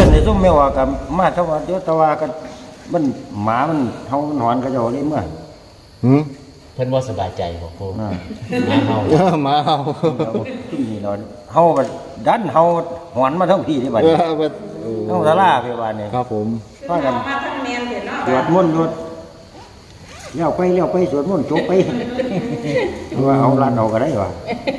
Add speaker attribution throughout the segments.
Speaker 1: ในซุ่มแม่ว่ากับมาทว่าเดี๋ยวตะว่ากันมันหมามันเฮามันหอนกระเจ้าเลยเมื่อ
Speaker 2: หืม
Speaker 3: เพิ่นบ่สบายใจบ่ปู
Speaker 1: อ่า
Speaker 3: หาเฮา
Speaker 2: มาเอา
Speaker 1: ที่นี่เนาะเฮาก็ดันเฮาหอนมาทั้งพี่ที่บัด
Speaker 2: เอ
Speaker 1: นี้
Speaker 2: อบัด
Speaker 1: เฮาศาลาไปบัดนี้
Speaker 2: ครับผม
Speaker 1: พากัน
Speaker 4: มาทั้งแมนเห็นเนาะ
Speaker 1: สวดมนต์อยู่เลี้ยวไปสวดมนต์จบไปว่าเอาลานเอาก็ได้ว่ะ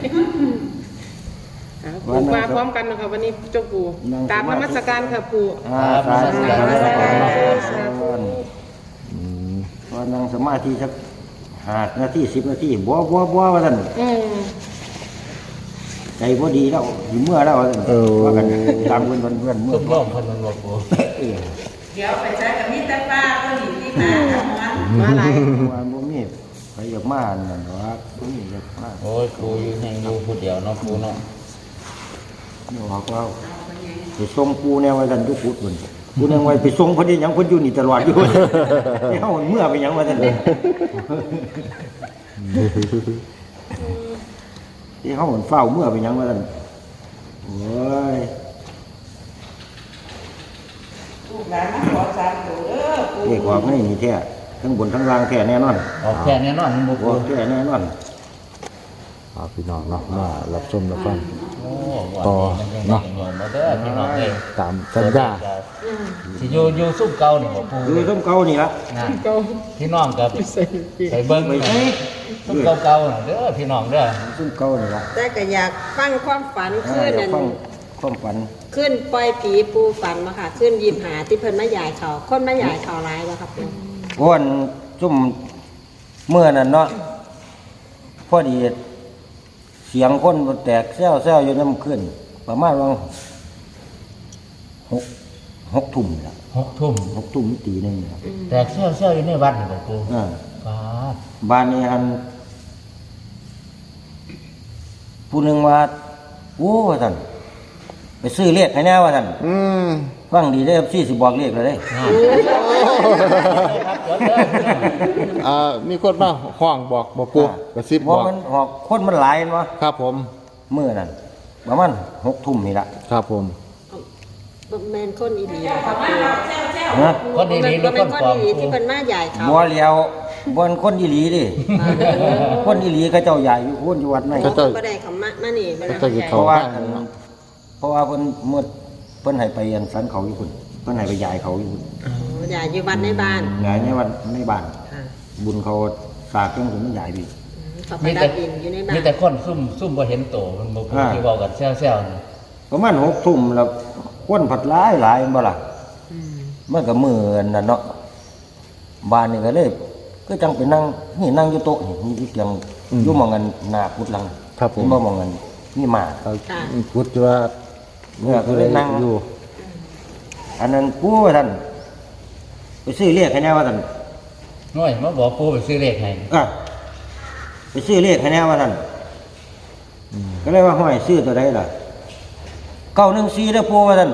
Speaker 5: ปู่มาพร้อมกันนะคะวันนี้เจ้าปู่ตามนมัสการค่ะปู่
Speaker 1: สาธุ
Speaker 5: สาธุ
Speaker 1: พอนั่งสมาธิสัก5 นาที10 นาทีบ่ว่าซั่น ใจบ่ดีแล้วอยู่เมื่อแล้วว่ากันตามเพื่อนเมื่อ
Speaker 3: ซุ่มร่มเพิ่นมันบ่ปู
Speaker 4: เดี๋ยวไปใช้กับมีแต่ป้าก็หนีที่มาทำงาน
Speaker 5: มาหลาย
Speaker 1: ว่าบ่มีใครอยากมานั่นว่าบ่มีอยากมา
Speaker 3: โอ้ยปูอยู่แห่งอยู่ผู้เดียวเนาะปูเนาะ
Speaker 1: นี่บอกว่าไปส่งปูแนวว่าซั่นทุกพุทธเพิ่นปูแนวไว้ไปส่งเพิ่นได้หยังเพิ่นอยู่นี่ตลอดอยู่ให้เฮาเมื่อไปหยังว่าซั่นที่เฮาเฝ้าเมื่อไปหยังว่าซั่นโอ้ย
Speaker 4: ลูกหลานมาขอสามตัวเด้อปู่
Speaker 1: เอกว่าไม่นี่แท้ทั้งบนทั้งล่างแท้แน่นอน
Speaker 3: ออกแค่แน่นอนบ่
Speaker 1: บ่
Speaker 3: ปู
Speaker 1: แท้แน่นอน
Speaker 2: เอาพี่น้องเนาะมารับชมรับฟัง
Speaker 3: โอ้
Speaker 2: ต่อเนาะ
Speaker 3: บ่เด้อพี่น้องเอ้ย
Speaker 2: ตามสัญญา
Speaker 3: สิอยู่ซุ่มเก่านี่บ่ปู
Speaker 1: คือต้มเก่านี่ล่ะ
Speaker 3: นะ
Speaker 5: เก้า
Speaker 3: พี่น้องกับ
Speaker 5: ใส่ปี
Speaker 3: ไปเบิ่ง
Speaker 1: ไปใช้
Speaker 3: ซุ่มเก่าๆน่ะเด้อพี่น้องเด้อ
Speaker 1: ต้มเก่านี่ล่ะ
Speaker 6: แต่ก็อยากฟังความฝันขึ้น
Speaker 1: อยา
Speaker 6: นั่
Speaker 1: ก
Speaker 6: น
Speaker 1: ฟังความฝัน
Speaker 6: ขึ้นปล่อยผีปูฝันมาค่ะ ขึ้นยิมหาที่เพิ่นมาใหญ่เขาคนมาใหญ่เขาร้ายบ่ครับปู่
Speaker 1: อ้วนจุ่มเมื่อนั้นเนาะพอดีเสียงคนมันแตกแซวอยู่น้ำขึ้น ประมาณว่าหกทุ่มละ
Speaker 3: 6 ทุ่ม
Speaker 1: 6 ทุ่มตีหนึงละ
Speaker 3: แต่เซี่ยวๆอยู่ในวัดนี่บ่ปู
Speaker 1: อ่า
Speaker 3: ฟ้าด
Speaker 1: บ้านนี้หันผู้หนึ่งว่าโอ้ว่าท่านไปซื้อเลขให้แน่ว่าท่าน
Speaker 2: อืม
Speaker 1: ฟังดีได้ซี่สิบอกเลขเลยเด้
Speaker 3: ครับจดเด้อพี่น้อง
Speaker 2: มีคนมาห้องบอกบอกปูกระซิบ
Speaker 1: เพ
Speaker 2: บอ
Speaker 1: ราะ
Speaker 2: ก
Speaker 1: มันหอกคนมันหลายเนาะ
Speaker 2: ครับผม
Speaker 1: มื้อนั้นประมาณ6 ทุ่มนี่ละ
Speaker 2: ครับผม
Speaker 6: แม่นคนอีหลีบ่ครับปู่
Speaker 1: นะ
Speaker 3: คนดีๆหรือ
Speaker 6: บ่
Speaker 3: ค
Speaker 6: แม่
Speaker 3: น
Speaker 6: นคน
Speaker 3: ปลอม
Speaker 6: อีหลี
Speaker 3: ปู
Speaker 6: ที่เพิ่นมาใหญ่เขา
Speaker 1: บ่เลียวบ่นคนอีหลีดิ คนอีหลีเขาเจ้าใหญ่อยู่คนอยู่วัดไหน
Speaker 6: เขาก็บ่ได้เขามานี่บ่
Speaker 2: ก็
Speaker 6: ได้
Speaker 2: จะอยู่
Speaker 1: เพ
Speaker 2: เขา
Speaker 1: ราะว่า
Speaker 2: บ้านเนาะ
Speaker 1: เพราะว่าเพิ่นเมื่อเพิ่นให้ไปอันสันเขาอยู่พุ่นเพิ่นให้ไปยายเขาอยู่พุ่น
Speaker 6: ใหญ่อยู่วัดในบ้าน
Speaker 1: ยายในวัดในบ้าน
Speaker 6: ค่ะ
Speaker 1: บุญเขาสากจังผมมันใหญ่พี่
Speaker 6: เขาไป
Speaker 3: มี
Speaker 6: ดั
Speaker 3: แต่
Speaker 6: บดินอยู่ในบ้า
Speaker 3: มี
Speaker 6: น
Speaker 3: แต่คนซุ่มบ่เห็นโตมันบ่ปูที่เว้ากันแซวๆนี่
Speaker 1: ประมาณ6 ทุ่มแล้วคนผัดหลายบ่ล่ะมันก็มื้อนั่นเนาะบ้านนี่ก็เลยก็จังไปนั่งนี่นั่งอยู่โต๊ะนี่มีเตียงอยู่หม่องกันหน้าพุทธลัง
Speaker 2: ครับผม
Speaker 1: เห็นบ่หม่องกันมีหมา
Speaker 2: เขาพูดว่า
Speaker 1: เนี่ยก็เลยนั่ง
Speaker 2: อยู่
Speaker 1: อันนั้นปู่ว่าท่านไปซื้อเลขให้แน่ว่าท่าน
Speaker 3: น้อยมาบอกปูไปซื้อเลขให้
Speaker 1: ไปซื้อเลขให้แน่ว่าท่านก็เลยว่าห้อยซื้อตัวใดล่ะ914เด้อปู่ว่าท่าน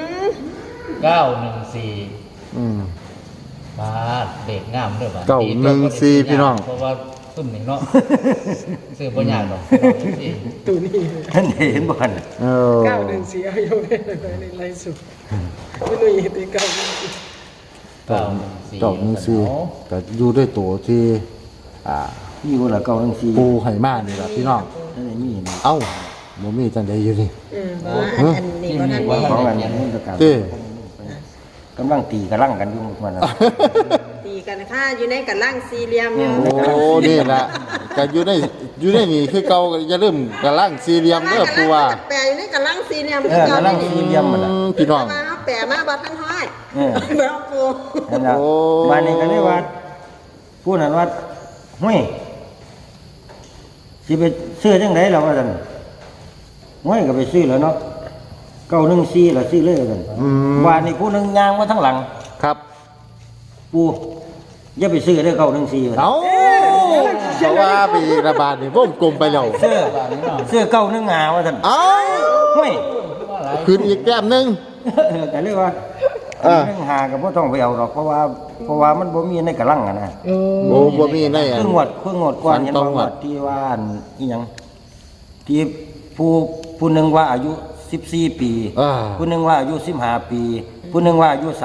Speaker 3: 914
Speaker 2: อืม
Speaker 3: บาทเด็กงามเด้อบัด
Speaker 2: 914พี่น้อง
Speaker 3: เพราะว่าซุ่มนี่เนาะซื้อบ่ยากดอก914
Speaker 5: ตัวนี้
Speaker 1: ท่านเห็นบ่ท่าน
Speaker 2: เออ
Speaker 5: 914อายุในไลฟ์สุดไม่รู้อีกตี914
Speaker 2: เจ้าหนึ่งซีก็อยู่ด้วยตัวที่
Speaker 1: มีบ่ล่ะ914
Speaker 2: ปูไหมานี่แหละพี่น้อง
Speaker 1: ท่านได้มีนี่
Speaker 2: เอ้าบ่มีจังไดอยู่นี่
Speaker 6: เพราะว่าอันนี้บ่ทันมี
Speaker 1: ของอันนี้ประกาศ
Speaker 2: เด้
Speaker 1: กำลังตีกำลังกันอยู่มันน่ะ
Speaker 6: ตีกันค่ะอยู่ในกันล่างสี่เหลี่ยมอยู่
Speaker 2: โอ้นี่แหละก็อยู่ในนี่คือเก่าก็อย่าลืมกระลังสี่เหลี่ยมเด้อปูว่า
Speaker 6: แปะอยู่ในกันล่างสี่เหลี่ยม
Speaker 1: กำลังสี่เหลี่ยมมันน่ะ
Speaker 2: พี่น้อง
Speaker 6: มาแปะมาบ่ทันฮอด
Speaker 1: เออ
Speaker 6: บ่ปู
Speaker 1: นั่นล่ะ
Speaker 2: โอ้
Speaker 1: บ้านนี้ก็เลยว่าผู้นั้นว่าห้วยสิไปซื้อจังไดล่ะว่าซั่นห้วยก็ไปซื้อแล้วเนาะ914ล่ะซื้อเลยว่าซั่นบ้านนี้ผู้หนึงย่างมาทั้งหลัง
Speaker 2: ครับ
Speaker 1: ปู่อย่าไปซื้อเด้อ914ว่าซั่น
Speaker 2: เอ้าเพราะว่าไประบาดนี่วงกลมไปแล้ว
Speaker 1: ซื้อ915ว่าซั่น
Speaker 2: เอ้า
Speaker 1: ห้วย
Speaker 2: คืนอีกแก้มหนึง
Speaker 1: ก็เลยว่า 915ก็บ่ต้องไปเอาดอกเพราะว่ามันบ่มีในกระลังอะนะ
Speaker 2: โอ้บ่มีในอัน
Speaker 1: คืองวดก่อน
Speaker 2: ฝัน
Speaker 1: เห็น
Speaker 2: ตร
Speaker 1: บ่
Speaker 2: ง
Speaker 1: งว
Speaker 2: วั
Speaker 1: ด
Speaker 2: ด
Speaker 1: ที่ว่าอันอีหยังที่ผู้หนึงว่าอายุ 14 ปี
Speaker 2: อ่า
Speaker 1: ผู้หนึงว่าอายุ15 ปี ผู้หนึงว่าอายุ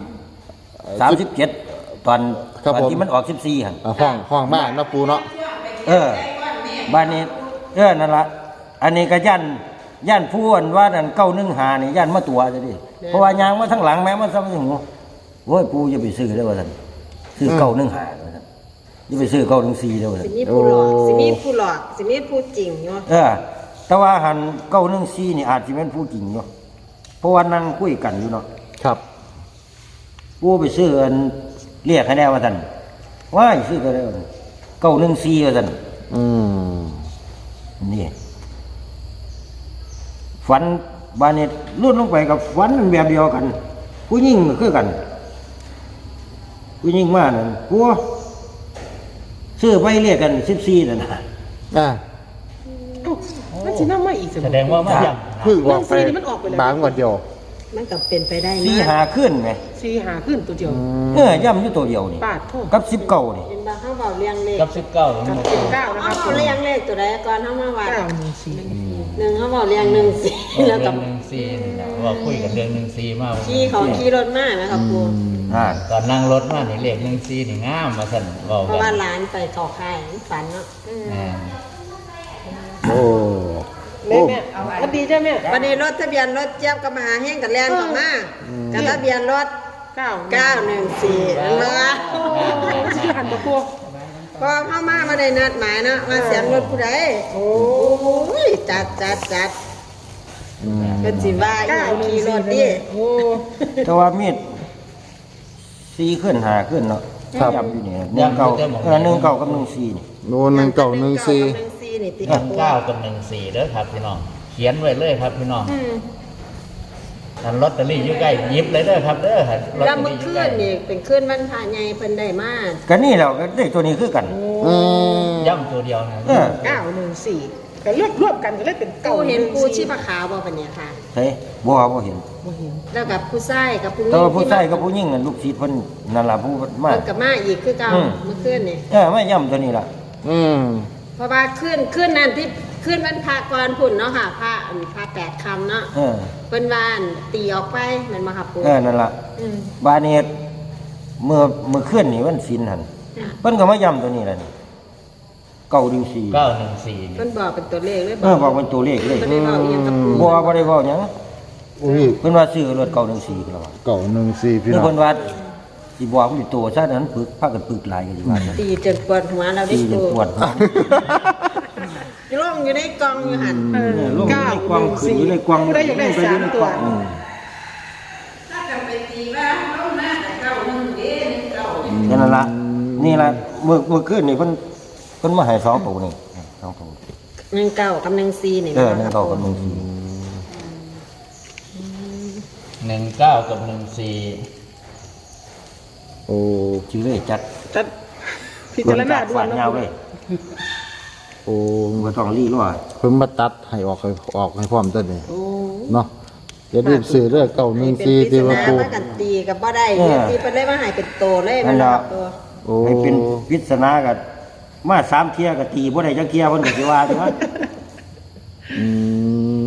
Speaker 1: 37ตอน
Speaker 2: ครับ
Speaker 1: ตอน
Speaker 2: ผม
Speaker 1: ที่มันออก14หั่น
Speaker 2: ห้องมากนะปูเนาะ
Speaker 1: บ้านนี้นั่นล่ะอันนี้ก็ย่านผู้อันว่านั่น915นี่ย่านมาตัวซะดิเพราะว่ายางมาทั้งหลังแม้มันซ้ำหูโอ้ยปู่อย่าไปซื้อเด้อว่าซั่นซื้อ915ว่าซั่นอย่าไปซื้อ914เด้อว่า
Speaker 6: สิ
Speaker 1: ซั่น
Speaker 6: มีผู้หลอกสิมีผู้หลอกสิมีผู้จริงเนาะ
Speaker 1: แต่ว่าหัน914นี่อาจสิเป็นผู้จริงอยู่เพราะว่านั่งคุยกันอยู่เนาะ
Speaker 2: ครับ
Speaker 1: ปู่ไปซื้ออันเรียกให้แน่ว่าซั่นว้ายซื้อตัวเดียว914ว่าซั่น
Speaker 2: อืม
Speaker 1: นี่ฝันบานนี้ลุ่นลงไปกับฝันมันแบบเดียวกัน ผู้หญิงก็คือกัน ผู้หญิงมานั่นผัวซื้อไปเรียกกัน14นั่นน่ะ
Speaker 2: อ่า
Speaker 5: เอ้ามันสินำมาอีก
Speaker 3: แสดงว่ามาย่
Speaker 2: เพิ่งออกไป
Speaker 5: เรื่องซีนี่มันออกไปแล้ว
Speaker 2: บางวันเดียว
Speaker 6: มันก็เป็นไปได้
Speaker 1: 4
Speaker 6: นะ
Speaker 1: หาขึ้นไหม
Speaker 5: สี่หาขึ้นตัวเดียว
Speaker 1: ย่ำอยู่ตัวเดียวนี่
Speaker 5: ปาดโทษ
Speaker 1: กับ19นี่
Speaker 6: เป็นบางเฮาเว้าเรียงเลข
Speaker 3: ำกับ19
Speaker 5: กับเจ็ดเก้านะค
Speaker 6: เฮา
Speaker 5: รับ
Speaker 6: เว้าเรียงเลขตัวใดก่อนเฮามาว่า
Speaker 5: เก้าหนึ่งสี่
Speaker 6: หนึ่งเฮาเว้าเรียง1 4แล้ว
Speaker 3: เรื่
Speaker 6: กั
Speaker 3: อบ ง14นี่นะว่าคุยกันเรื่อง14มา
Speaker 6: ขี่รถมานะครับปู
Speaker 1: อ่า
Speaker 3: ตอนนั่งรถมานี่เลข14นี่งามว่าซั่นเว้า
Speaker 6: เพราะ
Speaker 3: กั
Speaker 6: ว่าน หลานไปเข้าค่ายฝันเนาะ
Speaker 2: โอ้
Speaker 5: แม่แม่มันดีใช่ไหม
Speaker 6: วันนี้รถทะเบียนรถเจี๊ยบก็มาหาแห้งกับแล่นเข้ามากับทะเบียนรถ
Speaker 5: เก้า
Speaker 6: 914นั่นล่ะ
Speaker 5: ชื่อหันตะกัว
Speaker 6: พอเข้ามาบ่ได้นัดหมายเนาะมาเสียงรถผู้ใดโอ้ยจัดเป็นสิว่าอีหยังขี่รถดิ
Speaker 5: โอ้
Speaker 1: แต่ว่ามีด4ขึ้น5ขึ้นเนาะย่ำอยู่นี่19กับ14นี่
Speaker 2: โน่น1914
Speaker 6: 14นี่ติ
Speaker 3: 9กับ14เด้อครับพี่น้องเขียนไว้เลยครับพี่น้องอันลอตเตอรี่อยู่ใกล้หยิบเลยเด้อครับเด้อลอต
Speaker 6: แล้ว
Speaker 3: เตอ
Speaker 6: เมื่อ
Speaker 3: รี่อยู่
Speaker 6: คื
Speaker 3: ใกล้
Speaker 6: นนี่เป็นคืนวันพระใหญ่เพิ่นได้มา
Speaker 1: ก็นี่แหล้วก็ได้ตัวนี้คือกัน
Speaker 2: อืม
Speaker 3: ย่ำตัวเดียวนะ
Speaker 5: 914ก็รวบกันก็เลยเป็นเก้า
Speaker 6: กูเห็นปูชีพขาวบ่ปะเนี่ยค่ะ
Speaker 1: เฮ้ยบ่เห็น
Speaker 6: แล้วกับผู้ชายกับผู้หญิ
Speaker 1: แต่
Speaker 6: ง
Speaker 1: ว่าผู้ชายกับผู้หญิงนั่นลูกศิษย์เพิ่นนั่นล่ะผู้มา
Speaker 6: เพิ่นก็มาอีกคือเก่าเมื่อคืนนี่
Speaker 1: ไม่ย่ำตัวนี้ล่ะ
Speaker 2: อืม
Speaker 6: เพราะว่าคืนนั้นที่คืนวันพระก่อนพุ่นเนาะค่ะพระ8ค่ำเนาะเพิ่นว่าอั่นตีออกไปแม่นบ่ครับปู
Speaker 1: นั่นล่ะ
Speaker 6: อืม
Speaker 1: บาดนี้เมื่อคืนนี่วันศีลหั่นเพิ่นก็มาย่ำตัวนี้ล่ะนี่914
Speaker 3: 914
Speaker 6: เพิ่นบอกเป็นตัวเลขเลย
Speaker 1: บอกเป็นตัวเลขเลย
Speaker 6: เพิ่นได้เว้าอีหยังกับปู
Speaker 1: บ่ได้เว้าหยัง
Speaker 2: อุ้ย
Speaker 1: เพิ่นว่าซื้อรถ914แล้วว่า
Speaker 2: 914พี่
Speaker 1: คือ
Speaker 2: น้อง
Speaker 1: เพิ่นว่าสิบอกมันอยู่ตัวซะนั้นปึกพากันปึกหลายก็สิว่าซั่น
Speaker 6: ตีจนปวดหัวเราได้
Speaker 1: ตีจน
Speaker 6: ปู
Speaker 1: ปวดหัว
Speaker 6: อยู่ลงอยู่ในกล่องอยู่หั่น
Speaker 1: ลงอยู่ในกวางขึ้นอยู่ในกวาง
Speaker 5: ผู้ใดอยากได้3ตัว
Speaker 4: ถ้ากันไปตีว่าลงหน้าแต่เก้าหนึ่งเด้เก้า
Speaker 1: นั่นล่ะนี่ล่ะเมื่อคืนนี่เพิ่นมาให้2ตัวนี่2ตัว
Speaker 6: 19กับ14นี่
Speaker 1: นั่นเขากับ14
Speaker 3: 19กับ14
Speaker 2: โอ้
Speaker 1: ชื่อเลยจัด
Speaker 5: จัดพิจารณาด่ว
Speaker 1: ฝาน ด
Speaker 5: นะ
Speaker 1: ยาวเลย
Speaker 2: โอ้
Speaker 1: บ่ต้องรีรอ
Speaker 2: เพิ่นมาตัดให้ออกให้พร้อมตัวนี้เนาะอย่าลืมซื้อเด้อ914ที่ว่าปู
Speaker 6: ว่ากันตีกับบ่ได้ตีเพิ่นเลยมาให้เป็นโตเลย
Speaker 1: นั่นล่ะ
Speaker 6: ตัว
Speaker 2: โอ้
Speaker 1: ให้เป็นปริศนาก็มา3เที่ยก็ตีบ่ได้จักเที่ยเพิ่นก็สิว่าจังว่า
Speaker 2: อืม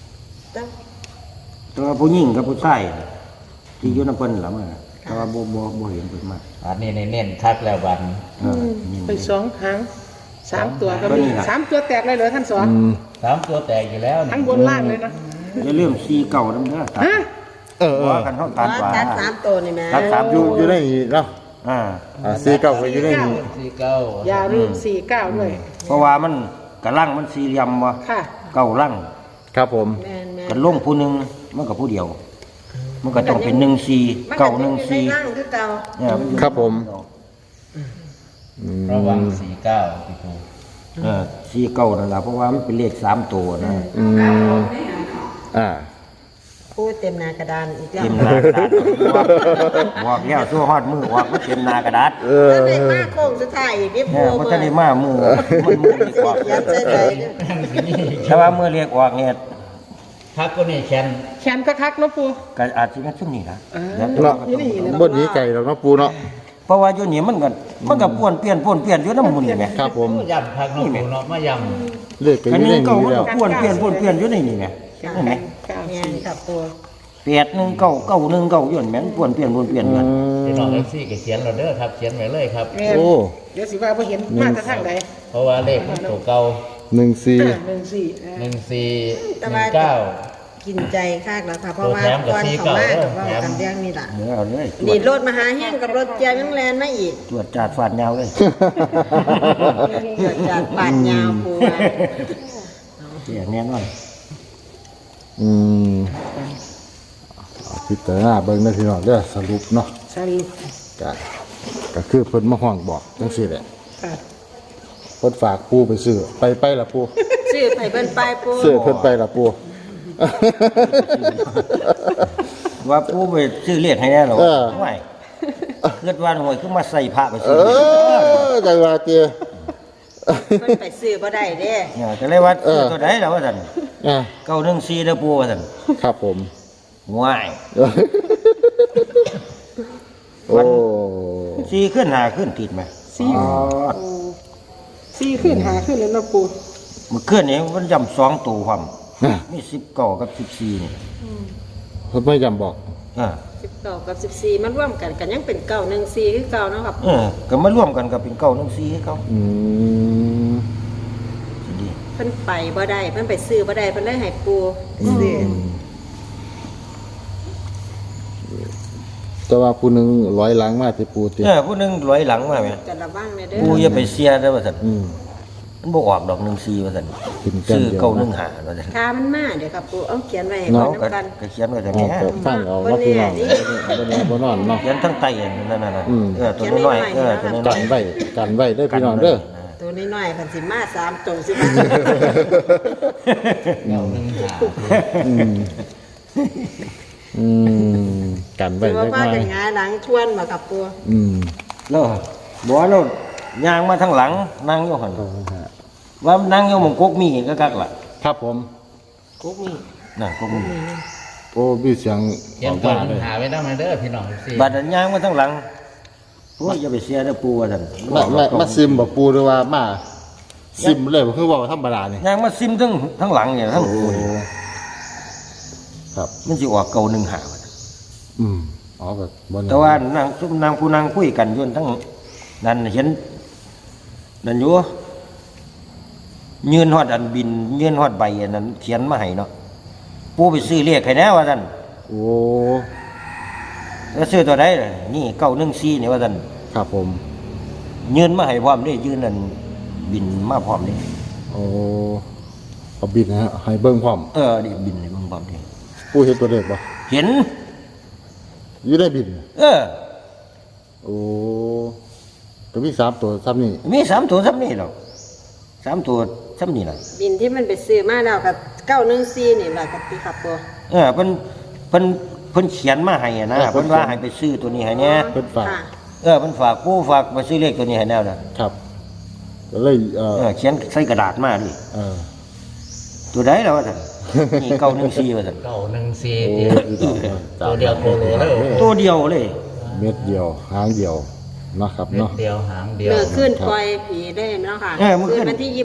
Speaker 1: แต่ว่าผู้หญิงกับผู้ชายที่อยู่นำเพิ่นล่ะมาแต่ว่าบ่เห็นเพิ่นมา
Speaker 3: อันนี้เน้นคักแล้วบัดนี้
Speaker 1: นี่
Speaker 5: ไป2หาง3ตัวก็
Speaker 1: ก็
Speaker 5: มี
Speaker 1: นี่ล่ะ
Speaker 5: 3ตัวแตกเลยเหรอท่านสอน
Speaker 3: 3ตัวแตกอยู่แล้วนี่
Speaker 5: ทั้งบนล่างเลยนะ
Speaker 1: อย่าลืม4เก่านำเด้อตัด
Speaker 5: ฮะ
Speaker 1: ว่ากันเฮาตัดว่า
Speaker 6: ตัด3ตัวนี่แม่
Speaker 1: ตัดสาม
Speaker 2: อยู่ในนี้เนาะ 49ก็อยู่ในนี้
Speaker 3: 49
Speaker 5: อย่าลืม49ด้วย
Speaker 1: เพราะว่ามันกะลังมันสี่เหลี่ยมบ่
Speaker 5: ค่ะ
Speaker 1: เก้าลัง
Speaker 2: ครับผม
Speaker 6: แม่น
Speaker 1: กันลงผู้หนึงมันก็ผู้เดียว มันก็ต้องเป็น14
Speaker 6: ๆ
Speaker 1: เก้า
Speaker 6: นั่ง
Speaker 1: 14
Speaker 6: คือเก่า
Speaker 1: เนี่ยมันอยู่
Speaker 2: ครับผม
Speaker 3: ระวัง49พี่ปู
Speaker 1: สี่เก้านั่นล่ะเพราะว่ามันเป็นเลข3ตัวนะ
Speaker 2: อืมอ่า
Speaker 6: พูดเต็มหน้ากระดานอีกแล้ว
Speaker 1: เต็มหน้ากระดาษบอกแล้วสู้ฮอดมือออกมันเต็มหน้ากระดาษ
Speaker 6: แล้วในมาโค้งสุดท้ายอีกนี่
Speaker 1: เนี่
Speaker 6: ปู
Speaker 1: ยมันจะได้มามือมันมือดีกว่า
Speaker 6: ยัดใจใจเด้อ
Speaker 1: แต่ว่ามือเรียกออกเนี่ย
Speaker 3: คักก็นี่แคน
Speaker 5: แขนคักๆเนาะปู
Speaker 1: ก็อาจจะเป็นช่วงนี้นะ
Speaker 2: เนาะบ่หนีไก่หรอกเนาะปูเนาะ
Speaker 1: เพราะว่าอยู่นี่มันก็ป้วนเปลี่ยนอยู่น้ำมูลนี่แหม
Speaker 2: ครับผม
Speaker 3: ย่ำคักเน้องปูเนาะมาย่ำ
Speaker 2: เลือกกัน
Speaker 1: อั
Speaker 2: อน ยู่ใน
Speaker 1: นี้เก่า
Speaker 2: นี้
Speaker 1: มัน
Speaker 2: แล้ว
Speaker 1: ก็ป้วนเปลี่ยนอยู่ในนี่แหมเห็นไหม
Speaker 6: แม่นครับปู
Speaker 1: 819 919ย้อนแม่นปวนเปลี่ยนกัน
Speaker 3: พี่น้องเอฟซีก็เขียนเราเด้อครับเขียนไว้เลยครับ
Speaker 5: แม่น
Speaker 2: โอ้
Speaker 5: เดี๋ยวสิว่าบ่เห็นมาแต่ทางใด
Speaker 3: เพราะว่าเลขมันตัวเก่า
Speaker 2: 14
Speaker 3: 1419
Speaker 6: กินใจคักแล้วค่ะเพราะว่าก่อนเขามากับเว้ากันเรื่องนี้ล่ะ
Speaker 1: เดี๋ยวเอาเลย
Speaker 6: นี่รถมหาแห้งกับรถเจียยังแลนมาอีก
Speaker 1: ตรวจจาดฟาดยาวเลย
Speaker 6: เกิดจากปาดยาวปูมา
Speaker 1: เสียแน่นอน
Speaker 2: อืมเอาพิจารณาเบิ่งนะพี่น้องเด้อสรุปเนาะ
Speaker 5: สรุป
Speaker 2: ก็คือเพิ่นมาห้องบอกจังซี่แหละ
Speaker 5: ค่ะ
Speaker 2: เพิ่นฝากปูไปซื้อไปล่ะปู
Speaker 6: ชื่อไผเพิ่นไปปู
Speaker 2: ซื้อเพิ่นไปล่ะปู
Speaker 1: ว่าผู้ไปซื้อเรียกให้แน่หรอ
Speaker 2: เออ
Speaker 1: ไม่เกิดว่าหน่วยคือมาใส่พระไป
Speaker 2: เอ
Speaker 1: ซื้อ
Speaker 2: อจังว่าเตี้ย
Speaker 6: เพิ่นไปซื้อบ่ได้เด้
Speaker 1: เนี่ยจะเลยว่าซื้อตัวไหนแล้วว่าท่าน
Speaker 2: อ่ะ
Speaker 1: 914เด้อปู่ว่าท่าน
Speaker 2: ครับผม
Speaker 1: ว้าย
Speaker 2: โอ้
Speaker 1: 4ขึ้น5ขึ้นติดไหม
Speaker 5: 4ขึ้น5ขึ้นแล้วเนาะปู
Speaker 1: มันขึ้นนี่มันย่ำ2ตัวความ
Speaker 2: อ่ะ
Speaker 1: มี19กับ14นี่
Speaker 2: เพิ่นไม่ย้ำบอก
Speaker 6: 19กับ14มันร่วมกันกันยังเป็น914คือเก่าเนาะครับ
Speaker 1: ก็มาร่วมกันกับเป็น914ให้เขา
Speaker 2: อืม
Speaker 1: สิดี
Speaker 6: เพิ่นไปบ่ได้เพิ่นไปซื้อบ่ได้เพิ่นเลยให้ปูซื้อ
Speaker 2: แต่ว่าผู้หนึงร้อยหลังมาที่ปูติ
Speaker 1: ผู้หนึงร้อยหลังมาแม่
Speaker 6: จะระวังแม่เด้อ
Speaker 1: ปู่อย่าไปเสียเด้อว่าท่าน
Speaker 2: อืม
Speaker 1: มันบ่ออกดอก14ว่าท่าน
Speaker 2: กินแก้ม
Speaker 1: ซื้อ
Speaker 2: เดียว
Speaker 1: 915ว่าท่าน
Speaker 6: ค่ามันมาเดี๋ยวครับปูเอาเขียนไว้ให้
Speaker 1: เนาะ
Speaker 6: เพิ่น
Speaker 1: ก็
Speaker 6: นำกัน
Speaker 1: ก็เขียนไว้แต่
Speaker 2: อ๋อ
Speaker 1: แม่
Speaker 2: ก็ฟังเอาว่าพี่น้องบ่นอนเนาะ
Speaker 1: เขียนทั้งไตนั่นน่ะ
Speaker 2: อืม
Speaker 1: ตัวน้อยๆตัวน้
Speaker 2: กั
Speaker 1: อย
Speaker 2: นไว้กันไว้เด้อพี่น้องเด้อ
Speaker 6: ตัวน้อยๆเพิ่นสิมา3ตัวสิมา
Speaker 2: อืมอืมกันไว้
Speaker 6: สิว่า
Speaker 2: จักห
Speaker 6: ว่า
Speaker 2: น่อ
Speaker 6: กัน
Speaker 2: ย
Speaker 6: หงายหลังทวนบ่ครับปู
Speaker 2: อืม
Speaker 1: แล้วบ่แล้วย่างมาทางหลังนั่งอยู่หั่นว่านั่งอยู่หม่องกกมีก็กักล่ะ
Speaker 2: ครับผม
Speaker 6: กุ๊กนี่
Speaker 1: นั่นกกมี
Speaker 2: โอ้มีเสียง
Speaker 3: เขีย
Speaker 2: อน อก
Speaker 3: ก่อ
Speaker 2: มาน เลย
Speaker 3: หาไว้ได้ไหมเด้อพี่น้องเอฟซี
Speaker 1: บัดนั้นย่างมาทางหลังโอ้ยอย่าไปเสียเด้อปู่ว่าซั่น
Speaker 2: มาซิมบ่ปูหรือว่ามาซิมเลยบ่คือเว่าธรรมดานี่
Speaker 1: ย่างมาซิมทั้งหลังเนี่ยทั้งปู่นี่
Speaker 2: ครับ
Speaker 1: มันสิออก915ว่าซั่น
Speaker 2: อืมอ๋อแบบบ่
Speaker 1: แต่ว่านางซุมนางผู้นางคุยกันอยู่ทั้งนั้นเห็นนั่นอยู่ยืนฮอดอันบินยืนฮอดใบอันนั้นเขียนมาให้เนาะปู่ไปซื้อเลขให้แน่ว่าซั่น
Speaker 2: โอ้
Speaker 1: แล้วซื้อตัวใดล่ะนี่914นี่ว่าซั่น
Speaker 2: ครับผม
Speaker 1: ยืนมาให้พร้อมเด้ยืนนั่นบินมาพร้อมเด้
Speaker 2: โอ้เอาบินนะฮะให้เบิ่งพร้อม
Speaker 1: นี่บินให้เบิ่งพร้อมเด้
Speaker 2: ปูเห็นตัวเลขบ่
Speaker 1: เห็น
Speaker 2: อยู่ได้บิน โอ้ก็มี3ตัวซ้ำนี่
Speaker 1: มี3ตัวซ้ำนี่ดอก3ตัวซ้ำนี่ล่ะ
Speaker 6: บินที่มันไปซื้อมาแล้วกับ914นี่แหละครับพี่ครับปู
Speaker 1: เพิ่นเขียนมาให้อะนะเพิ่นว่าให้ไปซื้อตัวนี้ให้แน่
Speaker 2: เพิ่นฝาก
Speaker 6: ค่ะ
Speaker 1: เพิ่นฝากปู่ฝากมาซื้อเลขตัวนี้ให้แน่น่ะ
Speaker 2: ครับก็เลย
Speaker 1: เขียนใส่กระดาษมาดิ
Speaker 2: เออ
Speaker 1: ตัวใดแล้วว่าซั่นนี่914ว่าซั่น
Speaker 3: 914
Speaker 2: โอ้
Speaker 3: ตัวเดียวโคโลเลย
Speaker 1: ตัวเดียวเลย
Speaker 2: เม็ดเดียวหางเดียวนะครับ
Speaker 3: เม็ด
Speaker 2: เนาะ
Speaker 3: เดียวหางเดียว
Speaker 6: เมื่อขึ้นปล่อยผีได้เนาะค่ะ
Speaker 1: เมื่อคืน
Speaker 6: วันที่